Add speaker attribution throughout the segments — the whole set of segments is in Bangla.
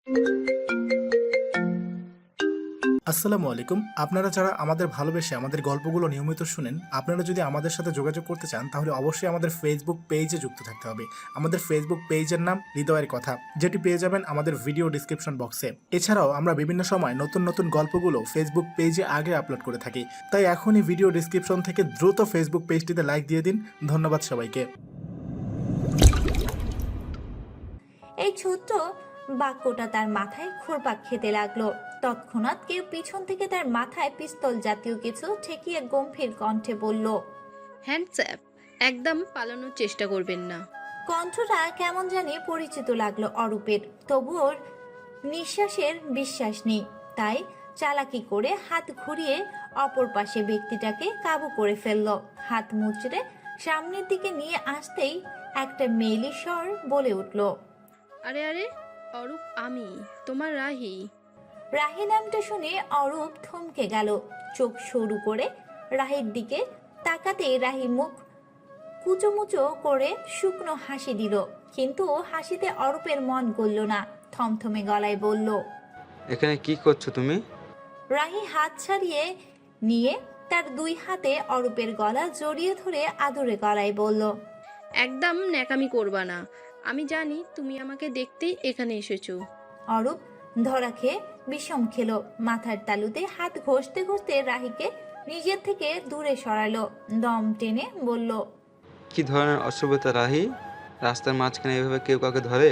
Speaker 1: আসসালামু আলাইকুম। আপনারা যারা আমাদের ভালোবেসে আমাদের গল্পগুলো নিয়মিত শুনেন, আপনারা যদি আমাদের সাথে যোগাযোগ করতে চান তাহলে অবশ্যই আমাদের ফেসবুক পেজে যুক্ত থাকতে হবে। আমাদের ফেসবুক পেজের নাম হৃদয়ের কথা, যেটি পেয়ে যাবেন আমাদের ভিডিও ডিসক্রিপশন বক্সে। এছাড়াও আমরা বিভিন্ন সময় নতুন নতুন গল্পগুলো ফেসবুক পেজে আগে আপলোড করে থাকি, তাই এখনই ভিডিও ডিসক্রিপশন থেকে দ্রুত ফেসবুক পেজটিতে লাইক দিয়ে দিন। ধন্যবাদ সবাইকে।
Speaker 2: এই ছোট্ট বাক্যটা তার মাথায় ঘুরপাক খেতে লাগলো। তৎক্ষণাৎ কেউ পিছন থেকে তার মাথায় পিস্তল জাতীয় কিছু ঠেকিয়ে গম্ভীর কণ্ঠে বলল,
Speaker 3: হ্যান্ডস্যাপ, একদম পালানোর চেষ্টা করবেন না।
Speaker 2: কণ্ঠটা কেমন জানি পরিচিত লাগলো অরূপের, তবুও নিঃশ্বাসের বিশ্বাস নেই। তাই চালাকি করে হাত ঘুরিয়ে অপর পাশে ব্যক্তিটাকে কাবু করে ফেলল। হাত মুচড়ে সামনের দিকে নিয়ে আসতেই একটা মেয়েলি স্বর বলে উঠল,
Speaker 3: আরে আরে অরূপ, আমি তোমার রাহি।
Speaker 2: রাহি নামটা শুনে অরূপ থমকে গেল। চোখ সরু করে রাহির দিকে তাকাতেই রাহি মুখ কুচোমুচো করে শুকনো হাসি দিল, কিন্তু হাসিতে অরূপের মন গলল না। থমথমে গলায় বলল,
Speaker 4: এখানে কি করছো তুমি?
Speaker 2: রাহি হাত ছাড়িয়ে নিয়ে তার দুই হাতে অরূপের গলা জড়িয়ে ধরে আদুরে গলায় বলল,
Speaker 3: একদম ন্যাকামি করবা না, আমি জানি তুমি আমাকে দেখতেই এখানে এসেছো।
Speaker 2: অরূপ ধরা খেয়ে বিষম খেলো। মাথার তালুতে হাত ঘষতে ঘষতে রাহিকে নিজের থেকে দূরে সরালো। দম টেনে বলল,
Speaker 4: কি ধরনের অসভ্যতা রাহি? রাস্তার মাঝখানে এভাবে কেউ কাউকে ধরে?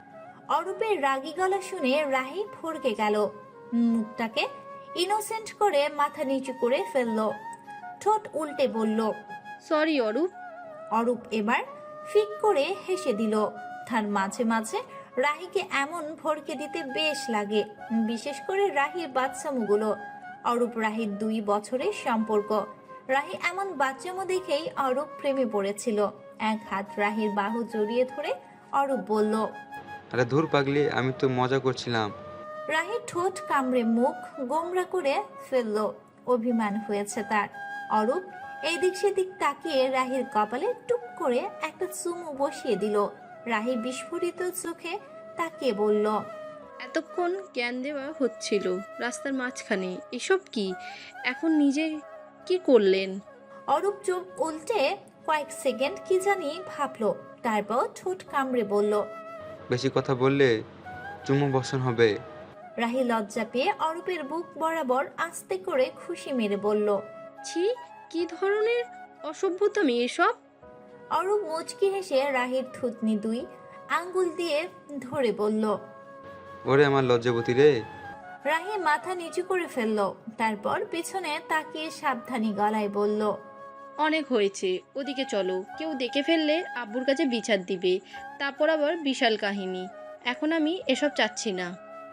Speaker 2: অরূপের রাগী গলা শুনে রাহি ভড়কে গেল। মুখটাকে ইনোসেন্ট করে মাথা নিচু করে ফেললো। ঠোঁট উল্টে বলল,
Speaker 3: সরি অরূপ।
Speaker 2: অরূপ এবার ফিক করে হেসে দিল। তার মাঝে মাঝে রাহিকে এমন ভড়কে দিতে বেশ লাগে, বিশেষ করে রাহির বাচ্চামুগুলো। অরূপ রাহির 2 বছরের সম্পর্ক। রাহি এমন বাচ্চামো দেখেই অরূপ প্রেমে পড়েছিল। এক হাত রাহির বাহু জড়িয়ে ধরে অরূপ বলল,
Speaker 4: আরে ধুর পাগলি, আমি তো মজা করছিলাম।
Speaker 2: রাহি ঠোঁট কামড়ে মুখ গোমরা করে ফেলল। অভিমান হয়েছে তার। অরূপ এদিক সেদিক তাকিয়ে রাহির কপালে টুক করে একটা চুমু বসিয়ে দিল। রাহি বিস্ফোরিত চোখে তাকিয়ে বলল,
Speaker 3: এতক্ষণ জ্ঞান দেওয়া হচ্ছিল রাস্তার মাঝখানে, এসব কি? এখন নিজে কি করলেন?
Speaker 2: অরূপ চোখ উল্টে কয়েক সেকেন্ড কি জানি ভাবলো, তারপর ঠোঁট কামড়ে বলল।
Speaker 4: বেশি কথা বললে চুমু বসন হবে।
Speaker 2: রাহি লজ্জা পেয়ে অরূপের বুক বরাবর আস্তে করে খুশি মেরে বলল।
Speaker 3: ছি, কি ধরনের অসভ্যতামি এসব?
Speaker 2: অরূপ মুচকি হেসে রাহির থুতনি 2 আঙ্গুল দিয়ে ধরে বলল।
Speaker 4: ওরে আমার লজ্জাবতী রে।
Speaker 2: রাহি মাথা নিচু করে ফেলল, তারপর পিছনে তাকিয়ে সাবধানী গলায় বলল,
Speaker 3: অনেক হয়েছে, ওদিকে চলো। কেউ দেখে ফেললে আব্বুর কাছে বিচার দিবে, তারপর আবার বিশাল কাহিনী। এখন আমি এসব চাচ্ছি না।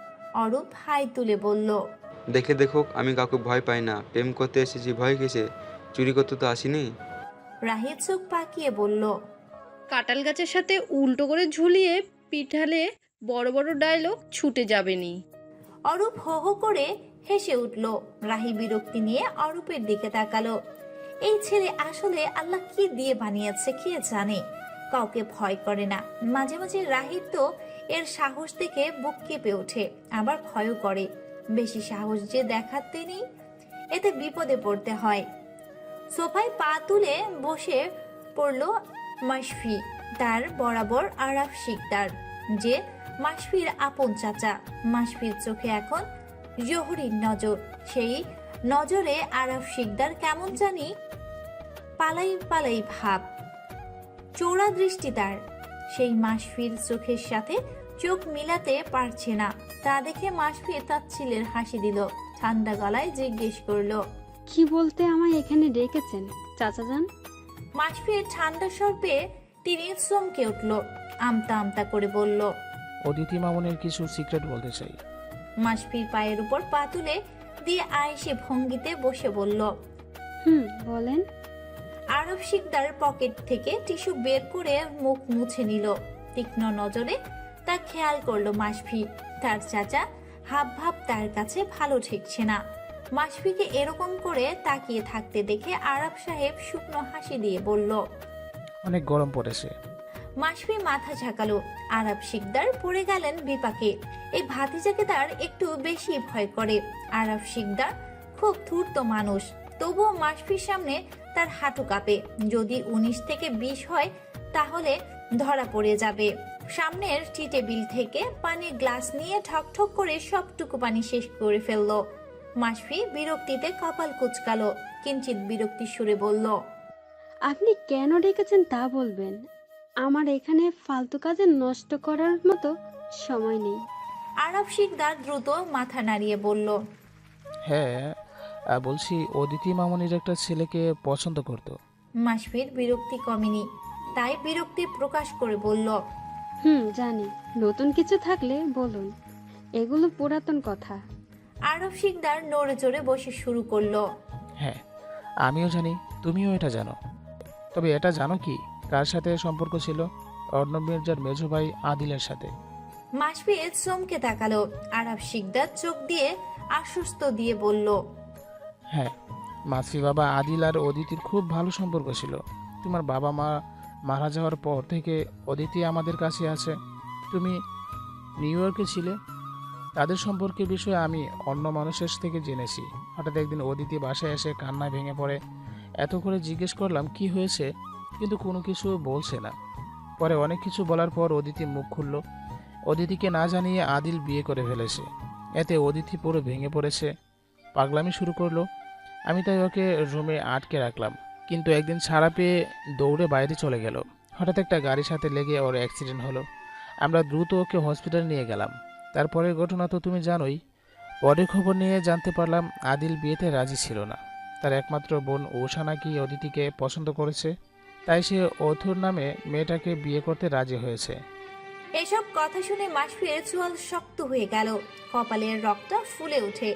Speaker 2: অরূপ হাই তুলে বলল।
Speaker 4: দেখে দেখুক, আমি কাউকে ভয় পাই না। প্রেম করতে এসেছি ভয় কিসে? চুরি করতে তো আসিনি।
Speaker 2: রাহি চোখ পাকিয়ে বলল।
Speaker 3: কাঁঠাল গাছের সাথে উল্টো করে ঝুলিয়ে পিঠালে বড় বড় ডায়লগ ছুটে যাবেনি।
Speaker 2: অরূপ হো হো করে হেসে উঠল। রাহি বিরক্তি নিয়ে অরূপের দিকে তাকালো। এই ছেলে আসলে আল্লাহ কি দিয়ে বানিয়েছে কে জানে। কাউকে ভয় করে না। মাঝে মাঝে রাহির তো এর সাহস দেখে বুক কেঁপে ওঠে, আবার ভয়ও করে। বেশি সাহস যে দেখাতে নেই, এতে বিপদে পড়তে হয়। সোফায় পা তুলে বসে পড়ল মাশফি। তার বরাবর আরাফ শিকদার, যে মাশফির আপন চাচা। মাশফির চোখে এখন জহুরির নজর। সেই নজরে আরাফ শিকদার কেমন জানি পালাই পালাই ভাব, চোরা দৃষ্টি তার। সেই মাশফির চোখের সাথে চোখ মিলাতে পারছে না। তা দেখে মাশফির তাচ্ছিলের হাসি দিল। ঠান্ডা গলায় জিজ্ঞেস করলো,
Speaker 5: কি বলতে আমায় এখানে ডেকেছেন চাচা যান?
Speaker 2: মাশফির ঠান্ডা স্বর পেয়ে তিনি চমকে উঠল। আমতা আমতা করে বলল,
Speaker 6: অদিতি মামুনের কিছু সিক্রেট বলতে চাই।
Speaker 2: মাশফির পায়ের উপর পা তুলে দিয়ে আয়েসে ভঙ্গিতে বসে বলল।
Speaker 5: বলেন।
Speaker 2: আরব শিকদার পকেট থেকে টিস্যু বের করে মুখ মুছে নিল। তীক্ষ্ণ নজরে তা খেয়াল করলো মাশফি। তার চাচা হাব ভাব তার কাছে ভালো ঠেকছে না। মাশফিকে এরকম করে তাকিয়ে থাকতে দেখে আরব সাহেব শুকনো হাসি দিয়ে বলল,
Speaker 6: অনেক গরম পড়েছে।
Speaker 2: মাসফি মাথা ঝাঁকালো। আরব শিকদার পড়ে গেলেন বিপাকে। এই ভাতিজাকে তার একটু বেশি ভয় করে। আরব শিকদার খুব ধূর্ত মানুষ, তবুও মাসফির সামনে তার হাঁটু কাঁপে। যদি 19 থেকে 20 হয় তাহলে ধরা পড়ে যাবে। সামনের টি টেবিল থেকে পানির গ্লাস নিয়ে ঠক করে সবটুকু পানি শেষ করে ফেললো। মাসফি বিরক্তিতে কপাল কুঁচকালো, কিঞ্চিত বিরক্তির সুরে বলল,
Speaker 5: আপনি কেন ডেকেছেন তা বলবেন। আমার এখানে ফালতু কাজে নষ্ট করার মতো সময় নেই।
Speaker 2: আরব শিকদার দ্রুত মাথা নাড়িয়ে বলল,
Speaker 6: হ্যাঁ, বলছি অদিতি মামনির একটা ছেলেকে পছন্দ করতো।
Speaker 2: মাসফির বিরক্তি কমেনি, তাই বিরক্তি প্রকাশ করে বলল,
Speaker 5: জানি। নতুন কিছু থাকলে বলুন, এগুলো পুরাতন কথা।
Speaker 2: আরব শিকদার নড়ে চড়ে বসে শুরু করলো,
Speaker 6: হ্যাঁ, আমিও জানি, তুমিও এটা জানো। তবে এটা জানো কি কার সাথে সম্পর্ক ছিল? অর্ণব মির্জার মেজো ভাই আদিলের সাথে।
Speaker 2: মাসফি চমকে তাকালো। আরব শিকদার চোখ দিয়ে আশ্বস্ত দিয়ে বলল,
Speaker 6: হ্যাঁ, মাসফি বাবা আদিল আর অদিতির খুব ভালো সম্পর্ক ছিল। তোমার বাবা মা মারা যাওয়ার পর থেকে অদিতি আমাদের কাছে আছে। তুমি নিউ ইয়র্কে ছিলে, তাদের সম্পর্কের বিষয়ে আমি অন্য মানুষের থেকে জেনেছি। হঠাৎ একদিন অদিতি বাসায় এসে কান্নায় ভেঙে পড়ে। এত করে জিজ্ঞেস করলাম কি হয়েছে, কিন্তু কোনো কিছু বলছে না। পরে অনেক কিছু বলার পর অদিতি মুখ খুলল। অদিতিকে না জানিয়ে আদিল বিয়ে করে ফেলেছে। এতে অদিতি পুরো ভেঙে পড়েছে, পাগলামি শুরু করলো। আমি তাই ওকে রুমে আটকে রাখলাম, কিন্তু একদিন ছাড়া পেয়ে দৌড়ে বাইরে চলে গেল। হঠাৎ একটা গাড়ির সাথে লেগে ওর অ্যাক্সিডেন্ট হলো। আমরা দ্রুত ওকে হসপিটাল নিয়ে গেলাম। তারপরের ঘটনা তো তুমি জানোই। পরে খবর নিয়ে জানতে পারলাম আদিল বিয়েতে রাজি ছিল না। তার একমাত্র বোন ঊষা নাকি অদিতিকে পছন্দ করেছে, তাই সে অথুর নামে মেয়েটাকে বিয়ে করতে রাজি হয়েছে।
Speaker 2: এসব কথা শুনে মাসফির চোয়াল শক্ত হয়ে গেল, কপালের রক্ত ফুলে ওঠে।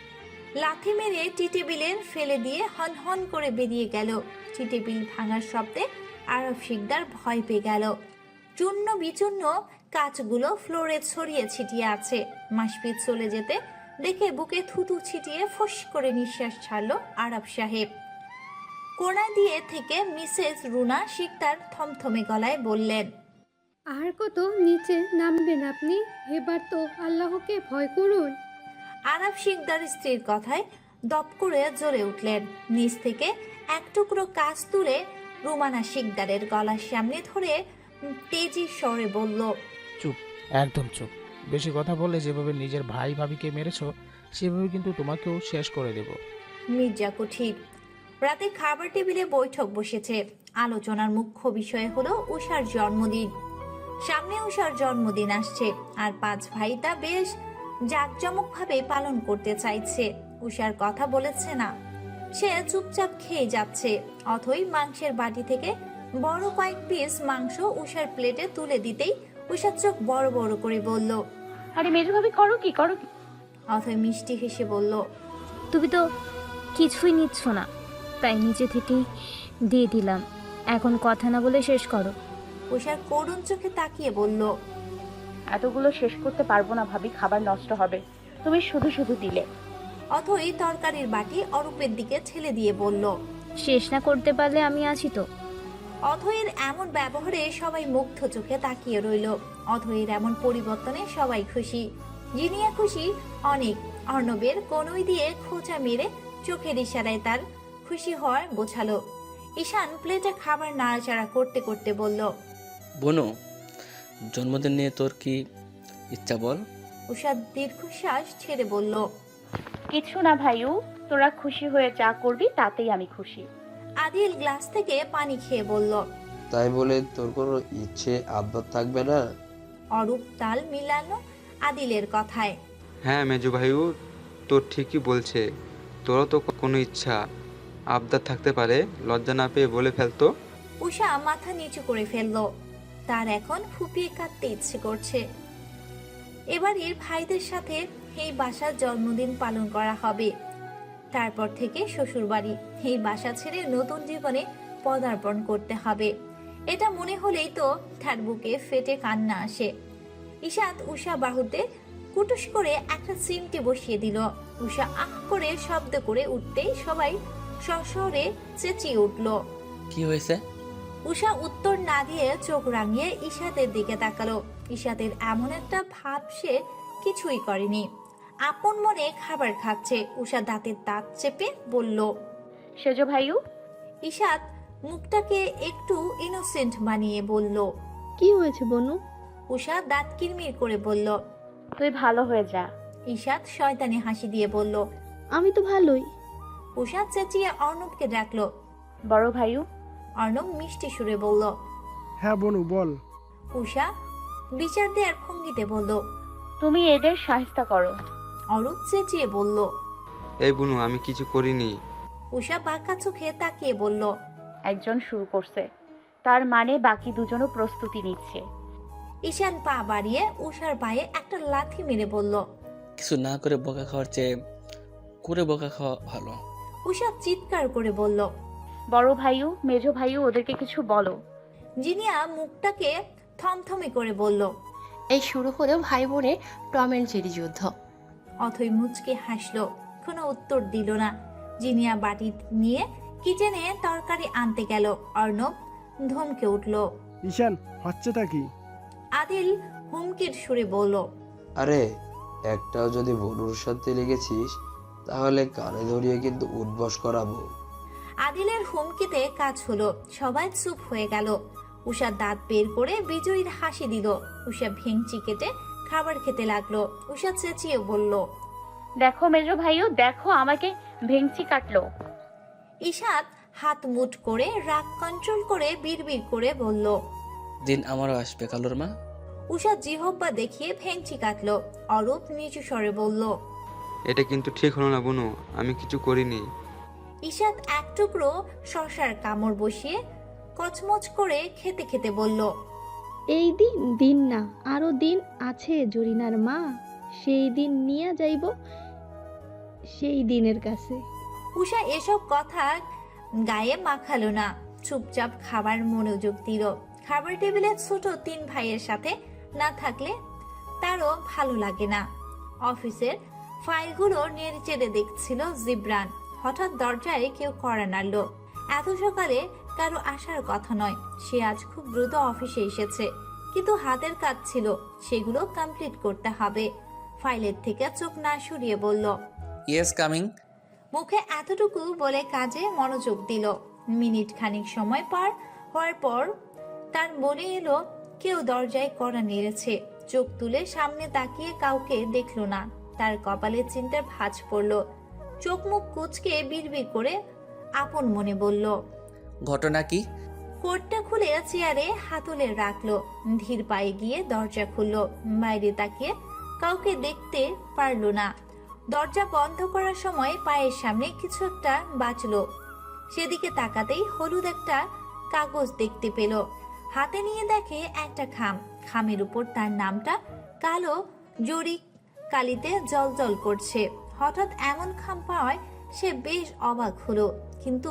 Speaker 2: লাথি মেরে টি টেবিলে ফেলে দিয়ে হন হন করে বেরিয়ে গেল। টি টেবিল ভাঙার শব্দে আরব শিকদার ভয় পেয়ে গেল। চূর্ণ বিচূর্ণ কাঁচগুলো ফ্লোরে ছড়িয়ে ছিটিয়ে আছে। মাসফির চলে যেতে দেখে বুকে থুতু ছিটিয়ে ফস করে নিঃশ্বাস ছাড়লো আরব সাহেব। কোণা দিয়ে থেকে মিসেস রুনা শিকদার থমথমে গলায় বললেন,
Speaker 7: আর কত নিচে নামবেন আপনি? এবার তো আল্লাহকে ভয় করুন।
Speaker 2: আরব শিকদার স্ত্রীর কথায় দপ করে জ্বলে উঠলেন। নিচ থেকে এক টুকরো কাজ তুলে রুমানা শিকদারের গলার সামনে ধরে তেজি স্বরে বলল,
Speaker 6: চুপ, একদম চুপ। বেশি কথা বললে যেভাবে নিজের ভাই ভাবিকে মেরেছো সেভাবে কিন্তু তোমাকেও শেষ করে দেব।
Speaker 2: মির্জা কুঠির। রাতে খাবার টেবিলে বৈঠক বসেছে। আলোচনার মুখ্য বিষয় হলো উষার জন্মদিন। সামনে উষার জন্মদিন আসছে, আর 5 ভাই তা বেশ জাঁকজমকভাবে পালন করতে চাইছে। উষার কথা বলেছে না, সে চুপচাপ খেয়ে যাচ্ছে। অথই মাংসের বাটি থেকে বড় কয়েক পিস মাংস উষার প্লেটে তুলে দিতেই উষার চোখ বড় বড় করে বলল,
Speaker 8: আরে মেজো ভাবি করো কি?
Speaker 2: অথই মিষ্টি হেসে বলল,
Speaker 8: তুমি তো কিছুই নিচ্ছ না, তাই নিচে থেকেই দিয়ে দিলাম। এখন কথা না বলে শেষ করো।
Speaker 2: উষার করুণ চোখে তাকিয়ে বলল,
Speaker 9: এতগুলো শেষ করতে পারবো না ভাবি, খাবার নষ্ট হবে। তুমি শুধু শুধু দিলে।
Speaker 2: অথই তরকারির বাটি অরূপের দিকে ঠেলে দিয়ে বলল,
Speaker 8: শেষ না করতে পারলে আমি আছি তো।
Speaker 2: অথয়ের এমন ব্যবহারে সবাই মুগ্ধ চোখে তাকিয়ে রইল। অথয়ের এমন পরিবর্তনে সবাই খুশি। জিনিয়া খুশি অনেক। অর্ণবের কনুই দিয়ে খোঁচা মেরে চোখের ইশারায় তার খুশি হওয়ার বোঝালো। ঈশান প্লেটে খাবার নাড়াচাড়া করতে করতে বলল,
Speaker 10: বোনো, জন্মদিন নিয়ে তোর কি ইচ্ছা বল?
Speaker 2: উষা দীর্ঘশ্বাস ছেড়ে বলল,
Speaker 9: কিছু না ভাইউ, তোরা খুশি হয়ে যা করবি তাতেই আমি খুশি।
Speaker 2: আদিল গ্লাস থেকে পানি খেয়ে বলল,
Speaker 11: তাই বলে তোর কোনো ইচ্ছে আবদার থাকবে না?
Speaker 2: অরূপ তাল মিলালো আদিলের কথায়।
Speaker 4: হ্যাঁ মেজো ভাইও তোর ঠিকই বলছে, তোরও তো কোনো ইচ্ছা আবদার থাকতে পারে, লজ্জা না পেয়ে বলে ফেলতো।
Speaker 2: উষা মাথা নিচু করে ফেলল। তার এখন ফুপিয়ে কাঁদতে ইচ্ছে করছে। এবারের ভাইদের সাথে এই বাসার জন্মদিন পালন করা হবে। তারপর থেকে শ্বশুর বাড়ি, এই বাসা ছেড়ে নতুন জীবনে পদার্পণ করতে হবে। এটা মনে হলেই তো তার বুকে ফেটে কান্না আসে। ঈশাত উষা বাহুতে কুটুস করে একটা চিমটে বসিয়ে দিল। উষা আহ করে শব্দ করে উঠতেই সবাই সশরে চেঁচিয়ে উঠল,
Speaker 10: কি হয়েছে?
Speaker 2: উষা উত্তর না দিয়ে চোখ রাঙিয়ে ইশাতের দিকে তাকালো। ইশাতের এমন একটা ভাব সে কিছুই করেনি, আপন মনে খাবার খাচ্ছে। উষা দাঁতের দাঁত চেপে বলল,
Speaker 9: সেজো ভাইউ।
Speaker 2: ইশাত মুখটাকে একটু ইনোসেন্ট বানিয়ে বলল,
Speaker 5: কি হয়েছে বনু?
Speaker 2: উষা দাঁত কিরমির করে বলল,
Speaker 9: তুই ভালো হয়ে যা।
Speaker 2: ইশাত শয়তানি হাসি দিয়ে বলল,
Speaker 5: আমি তো ভালোই।
Speaker 2: উষা চেঁচিয়ে অর্ণবকে ডাকলো।
Speaker 9: বড় ভাইউ।
Speaker 2: অর্ণব মিষ্টি সুরে বলল,
Speaker 12: হ্যাঁ বনু বল।
Speaker 2: উষা বিচার দেওয়ার ভঙ্গিতে বলল,
Speaker 9: তুমি এদের সাহিস্তা করো।
Speaker 2: অরূপ চেঁচিয়ে বলল,
Speaker 4: এই বুনু, আমি কিছু করিনি।
Speaker 2: উষা বাঁকা চোখে তাকিয়ে বলল,
Speaker 9: একজন শুরু করছে, তার মানে বাকি দুজনও প্রস্তুতি নিচ্ছে।
Speaker 2: ঈশান পা বাড়িয়ে উষার পায়ে একটা লাথি মেরে বলল,
Speaker 10: কিছু না করে বকা খাওয়ার চেয়ে করে বকা খাওয়া ভালো।
Speaker 2: উষা চিৎকার করে বলল,
Speaker 9: বড় ভাইউ, মেজো ভাইউ, ওদেরকে কিছু বলো।
Speaker 2: জিনিয়া মুখটাকে থমথমে করে বলল,
Speaker 13: এই শুরু হলো ভাই বোনের টম অ্যান্ড জেরি যুদ্ধ।
Speaker 2: অথই মুচকে হাসলো, কোনো উত্তর দিল না। জিনিয়া বাটি নিয়ে কিচেনে তরকারি আনতে গেল। অর্ণব ধমকে উঠল।
Speaker 12: ঈশান, হচ্ছেটা কি?
Speaker 2: আদিল হুমকির সুরে বলল,
Speaker 11: আরে একটাও যদি বনুর সাথে লেগেছিস তাহলে কানে ধরিয়ে কিন্তু উঠবস করাবো।
Speaker 2: আদিলের হুমকিতে কাজ হলো, সবাই চুপ হয়ে গেল। উষা দাঁত বের করে বিজয়ীর হাসি দিল। উষা ভেঙচি কেটে খাবার খেতে লাগলো। উষা চেঁচিয়ে বলল,
Speaker 9: দেখো মেজো ভাইউ, দেখো আমাকে ভেঙচি কাটলো।
Speaker 2: ঈশাত হাত মুঠ করে রাগ কন্ট্রোল করে বিড়বিড় করে বলল,
Speaker 10: দিন আমারও আসবে কালোর মা।
Speaker 2: উষা জিহব্বা দেখিয়ে ভেঙচি কাটলো। অরূপ নিচু স্বরে বলল,
Speaker 4: এটা কিন্তু ঠিক হলো না বুনু, আমি কিছু করিনি।
Speaker 2: ঈশাত এক টুকরো শশার কামড় বসিয়ে কচমচ করে খেতে খেতে বলল,
Speaker 5: এই দিন দিন না, আরো দিন আছে জরিনার মা। সেই দিন নিয়ে যাইব সেই দিনের কাছে।
Speaker 2: উষা এসব কথা গায়ে মাখালো না, চুপচাপ খাবার মনোযোগ দিল। খাবার টেবিলে ছোট 3 ভাইয়ের সাথে না থাকলে তারও ভালো লাগে না। অফিসের ফাইলগুলো নেড়েচেড়ে দেখছিল জিবরান। হঠাৎ দরজায় কেউ কড়া নাড়ল। এত সকালে কারো আসার কথা নয়। সে আজ খুব দ্রুত অফিসে এসেছে, কিন্তু হাতের কাজ ছিল, সেগুলো কমপ্লিট করতে হবে। ফাইলের থেকে চোখ না সরিয়ে বলল,
Speaker 10: ইয়েস কামিং।
Speaker 2: মুখে এতটুকু বলে কাজে মনোযোগ দিল। মিনিট খানিক সময় পার হওয়ার পর তার মনে এলো কেউ দরজায় কড়া নেড়েছে। চোখ তুলে সামনে তাকিয়ে কাউকে দেখল না। তার কপালে চিন্তার ভাঁজ পড়ল। চোখ মুখ কুঁচকে বিড়বিড় করে আপন মনে বলল,
Speaker 10: ঘটনা কি?
Speaker 2: কোটটা খুলে চেয়ারে হাতলে রাখলো। ধীর পায়ে গিয়ে দরজা খুলল। বাইরে তাকিয়ে কাউকে দেখতে পারল না। দরজা বন্ধ করার সময় পায়ের সামনে কিছু একটা বাঁচলো। সেদিকে তাকাতেই হলুদ একটা কাগজ দেখতে পেল। হাতে নিয়ে দেখে একটা খাম। খামের উপর তার নামটা কালো জরি কালিতে জলজল করছে। হঠাৎ এমন খাম পাওয়ায় সে বেশ অবাক হলো, কিন্তু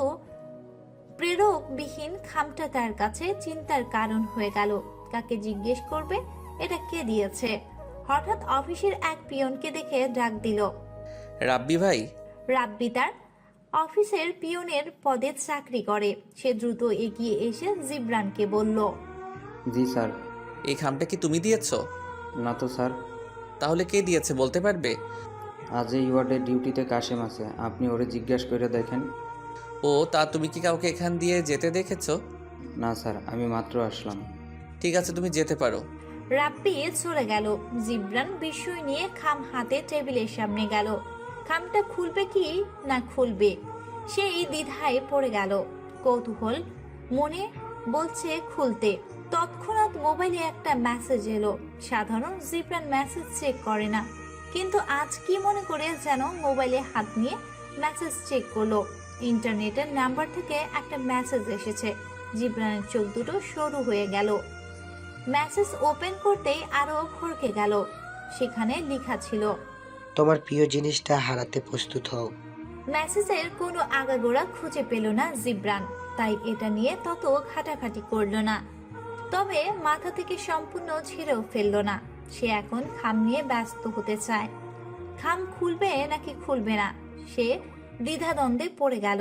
Speaker 2: প্রেরকবিহীন খামটা তার কাছে চিন্তার কারণ হয়ে গেল। কাকে জিজ্ঞেস করবে এটা কে দিয়েছে? হঠাৎ অফিসের এক পিয়নকে দেখে ডাক দিল,
Speaker 10: রাব্বি ভাই।
Speaker 2: রাব্বি তার অফিসের পিয়নের পদে চাকরি করে। সে দ্রুত এগিয়ে এসে জিবরানকে বলল,
Speaker 14: জি স্যার।
Speaker 10: এই খামটা কি তুমি দিয়েছো?
Speaker 14: না তো স্যার।
Speaker 10: তাহলে কে দিয়েছে বলতে পারবে?
Speaker 14: আজ এই ওয়ার্ডে ডিউটিতে কাশেম আছে, আপনি ওরে জিজ্ঞাসা করে দেখেন।
Speaker 10: ও তা তুমি কি কাউকে এখান দিয়ে যেতে দেখেছো?
Speaker 14: না স্যার, আমি মাত্র আসলাম।
Speaker 10: ঠিক আছে, তুমি যেতে পারো।
Speaker 2: রাব্বি চলে গেল। জিবরান বিস্ময় নিয়ে খাম হাতে টেবিলের সামনে গেল। খামটা খুলবে কি না খুলবে সেই দ্বিধায় পড়ে গেল। কৌতূহল মনে বলছে খুলতে। তৎক্ষণাৎ মোবাইলে একটা মেসেজ এলো। সাধারণ জিবরান মেসেজ চেক করে না, কিন্তু আজ কি মনে করে যেন মোবাইলে হাত নিয়ে মেসেজ চেক করলো। ইন্টারনেটের নাম্বার থেকে একটা মেসেজ এসেছে। জিবরানের চোখ দুটো সরু হয়ে গেল। মেসেজ ওপেন করতেই আরো ভরকে গেল। সেখানে লেখা ছিল,
Speaker 15: তোমার প্রিয় জিনিসটা হারাতে প্রস্তুত হও।
Speaker 2: মেসেজের কোনো আগাগোড়া খুঁজে পেল না জিবরান, তাই এটা নিয়ে তত ঘাটাঘাটি করলো না। তবে মাথা থেকে সম্পূর্ণ ছেড়েও ফেললো না। সে এখন খাম নিয়ে ব্যস্ত হতে চায়। খাম খুলবে নাকি খুলবে না সে দ্বিধাদ্বন্দ্বে পড়ে গেল।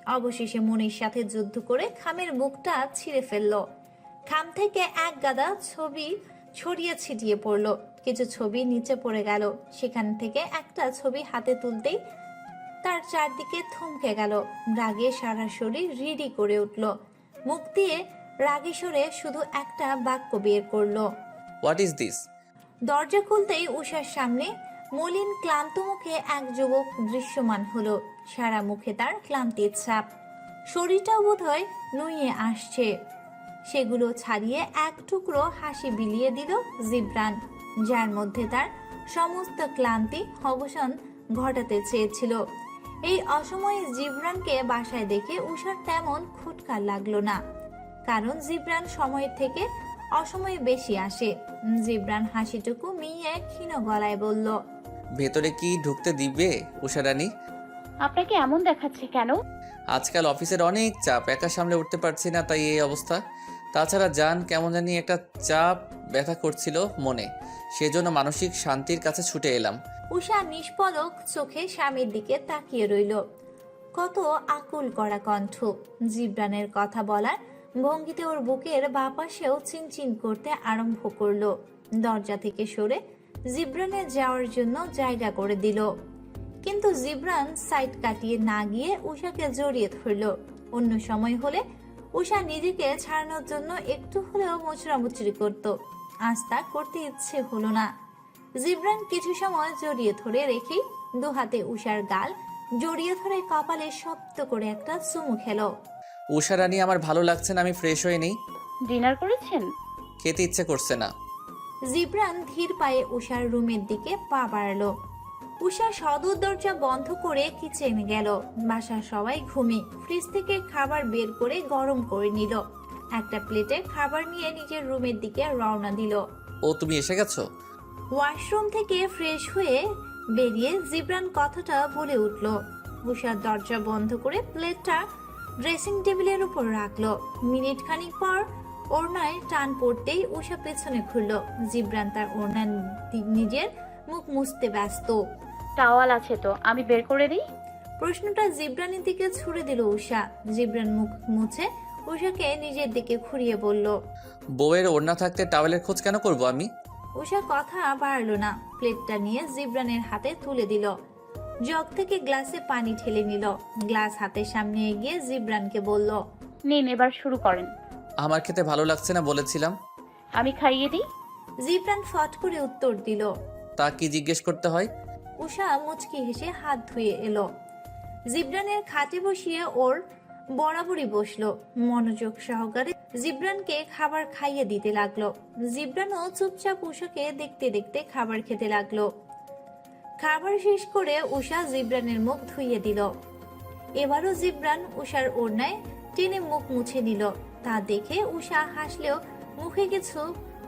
Speaker 2: অবশেষে মনির সাথে যুদ্ধ করে খামের মুখটা ছিঁড়ে ফেলল। খাম থেকে এক গাদা ছবি ছড়িয়ে ছিটিয়ে পড়ল। কিছু ছবি নিচে পড়ে গেল। সেখান থেকে একটা ছবি হাতে তুলতেই তার চারদিকে থমকে গেল। রাগে সারা শরীর রিডি করে উঠল। মুখ দিয়ে রাগে সরে শুধু একটা বাক্য বের করলো,
Speaker 10: হোয়াট ইজ দিস?
Speaker 2: দরজা খুলতেই উষার সামনে মলিন ক্লান্ত মুখে এক যুবক দৃশ্যমান হলো। সারা মুখে তার ক্লান্তির ছাপ, শরীরটাও বোধহয় নুয়ে আসছে। সেগুলো ছাড়িয়ে এক টুকরো হাসি বিলিয়ে দিল জিবরান, যার মধ্যে তার সমস্ত ক্লান্তি অবসান ঘটাতে চেয়েছিল। এই অসময়ে জিবরানকে বাসায় দেখে উষার তেমন খুটকার লাগলো না, কারণ জিবরান সময়ের থেকে অসময়ে বেশি আসে। জিবরান হাসিটুকু মিয়ে ক্ষীণ গলায় বলল,
Speaker 10: ভেতরে কি ঢুকতে দিবে উষারানী?
Speaker 9: আপনাকে এমন দেখাচ্ছে কেন?
Speaker 10: আজকাল অফিসের অনেক চাপ, একা সামলে উঠতে পারছি না, তাই এই অবস্থা। তাছাড়া জান কেমন জানি একটা চাপ ব্যথা করছিল মনে, সেজন্য মানসিক শান্তির কাছে ছুটে এলাম।
Speaker 2: উষা নিষ্পলক চোখে স্বামীর দিকে তাকিয়ে রইল। কত আকুল করা কণ্ঠ। জিবরানের কথা বলার ভঙ্গিতে ওর বুকের বাপাশেও চিনচিন করতে আরম্ভ করলো। দরজা থেকে সরে জিবরানের যাওয়ার জন্য জায়গা করে দিল, কিন্তু জিবরান সাইড কাটিয়ে না গিয়ে উষাকে জড়িয়ে ধরল। অন্য সময় হলে উষা নিজেকে ছাড়ানোর জন্য একটু হলেও মোচড়ামুচড়ি করত, আজ তা করতে ইচ্ছে হলো না। জিবরান কিছু সময় জড়িয়ে ধরে রেখেই দু হাতে উষার গাল জড়িয়ে ধরে কপালে শব্দ করে একটা চুমু খেলো।
Speaker 10: উষারানী, আমার ভালো লাগছে না, আমি ফ্রেশ হয়ে নেই।
Speaker 9: ডিনার করেছেন?
Speaker 10: খেতে ইচ্ছে করছে না।
Speaker 2: জিবরান ধীর পায়ে উষার রুমের দিকে পা বাড়ালো। উষা সদর দরজা বন্ধ করে কিচেনে গেল। বাসার সবাই ঘুমে। ফ্রিজ থেকে খাবার বের করে গরম করে নিল। একটা প্লেটে খাবার নিয়ে নিজের রুমের দিকে রওনা দিল।
Speaker 10: ও, তুমি এসে গেছো?
Speaker 2: ওয়াশরুম থেকে ফ্রেশ হয়ে বেরিয়ে জিবরান কথাটা বলে উঠল। উষার দরজা বন্ধ করে প্লেটটা ড্রেসিং টেবিলের উপর রাখলো। মিনিট খানিক পর ওড়নায় টান পড়তেই উষা পেছনে ঘুরল। জিবরান তার ওড়না নিজের মুখ মুছতে ব্যস্ত।
Speaker 9: টাওয়াল আছে তো, আমি বের করে দিই?
Speaker 2: প্রশ্নটা জিবরানের দিকে ছুড়ে দিল উষা। জিবরান মুখ মুছে উষাকে নিজের দিকে ঘুরিয়ে বলল,
Speaker 10: বউয়ের ওড়না থাকতে টাওয়েলের খোঁজ কেন করব আমি?
Speaker 2: উষা কথা বাড়ল না। প্লেটটা নিয়ে জিবরানের হাতে তুলে দিল। জগ থেকে গ্লাসে পানি ঢেলে নিল। গ্লাস হাতের সামনে এগিয়ে জিবরানকে বলল,
Speaker 9: নিন, এবার শুরু করেন।
Speaker 10: আমার খেতে ভালো লাগছে না বলেছিলাম।
Speaker 9: আমি খাইয়ে দিই?
Speaker 2: জিবরান ফট করে উত্তর দিল।
Speaker 10: তা কি জিজ্ঞেস করতে হয়?
Speaker 2: উষা মুচকি হেসে হাত ধুয়ে এলো। জিবরানের খাটে বসিয়ে ওর বরাবরই বসলো। মনোযোগ সহকারে জিবরানকে খাবার খাইয়ে দিতে লাগলো। জিবরানও চুপচাপ উষাকে দেখতে দেখতে খাবার খেতে লাগলো। খাবার শেষ করে উষা জিবরানের মুখ ধুইয়ে দিল। এবারও জিবরান উষার ওড়নায় টেনে মুখ মুছে নিল। তা দেখে উষা হাসলেও মুখে কিছু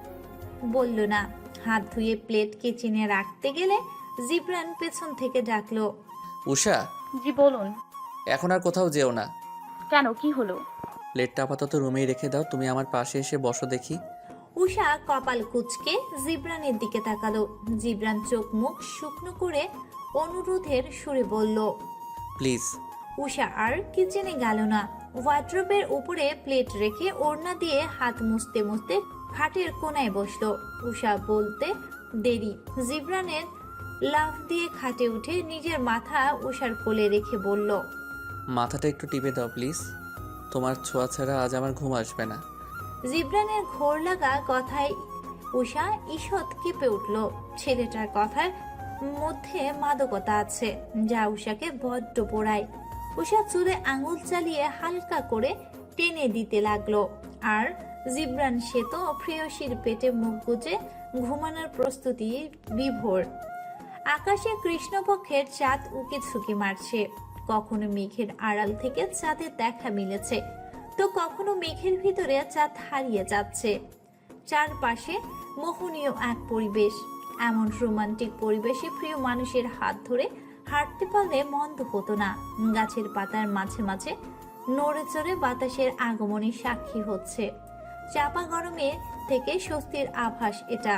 Speaker 2: বলল না। হাত ধুয়ে প্লেট কিচেনে রাখতে গেলে জিবরান পেছন থেকে ডাকলো,
Speaker 10: উষা।
Speaker 9: জি বলুন।
Speaker 10: এখন আর কোথাও যেও না।
Speaker 9: কেন, কি হলো?
Speaker 10: প্লেটটা আপাতত রুমেই রেখে দাও, তুমি আমার পাশে এসে বসো দেখি।
Speaker 2: উষা কপাল কুঁচকে জিবরানের দিকে তাকালো। জিবরান চোখ মুখ শুকনো করে অনুরোধের সুরে বলল,
Speaker 10: প্লিজ।
Speaker 2: উষা আর কিচেনে গেল না। ওয়ার্ড্রোবের উপরে প্লেট রেখে ওড়না দিয়ে হাত মুছতে মুছতে খাটের কোনায় বসলো। উষা বলতে দেরি জিবরানের লাফ দিয়ে খাটে উঠে নিজের মাথা উষার কোলে রেখে বলল,
Speaker 10: মাথাটা একটু টিপে দাও প্লিজ, তোমার ছোঁয়া ছাড়া আজ আমার ঘুম আসবে না।
Speaker 2: জিবরানের ঘোর লাগা কথায় উষা ঈষৎ কেঁপে উঠল। ছেলেটার কথার মধ্যে মাদকতা আছে যা উষাকে বড্ড পোড়ায়। উষা চুলে আঙুল চালিয়ে হালকা করে টেনে দিতে লাগলো। আর জিবরান সে তো প্রেয়সীর পেটে মুখ গুজে ঘুমানোর প্রস্তুতি বিভোর। আকাশে কৃষ্ণপক্ষের চাঁদ উকি ঝুঁকি মারছে। কখনো মেঘের আড়াল থেকে চাঁদের দেখা মিলেছে, তো কখনো মেঘের ভিতরে চাঁদ হারিয়ে যাচ্ছে। চারপাশে মোহনীয় এক পরিবেশ। এমন রোমান্টিক পরিবেশে প্রিয় মানুষের হাত ধরে হাঁটতে পারলে মন্দ হতো না। গাছের পাতার মাঝে মাঝে নড়ে চড়ে বাতাসের আগমনের সাক্ষী হচ্ছে। চাপা গরমে থেকে স্বস্তির আভাস এটা।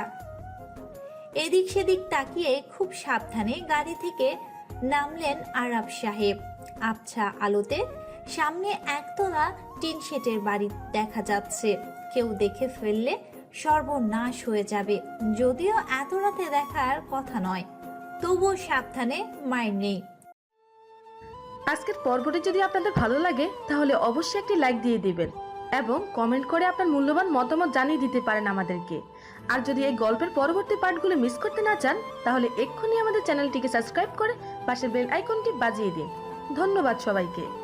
Speaker 2: এদিক সেদিক তাকিয়ে খুব সাবধানে গাড়ি থেকে নামলেন আরাব সাহেব। আবছা আলোতে সামনে একতলা টিন শেডের বাড়ি দেখা যাচ্ছে। কেউ দেখে ফেললে সর্বনাশ হয়ে যাবে। যদিও এত রাতে দেখার কথা নয়, তবুও সাবধানে মাইর নেই।
Speaker 16: আজকের পর্বটি যদি আপনাদের ভালো লাগে তাহলে অবশ্যই একটি লাইক দিয়ে দিবেন এবং কমেন্ট করে আপনার মূল্যবান মতামত জানিয়ে দিতে পারেন আমাদেরকে। আর যদি এই গল্পের পরবর্তী পার্টগুলো মিস করতে না চান তাহলে এক্ষুনি আমাদের চ্যানেলটিকে সাবস্ক্রাইব করে পাশের বেল আইকনটি বাজিয়ে দিন। ধন্যবাদ সবাইকে।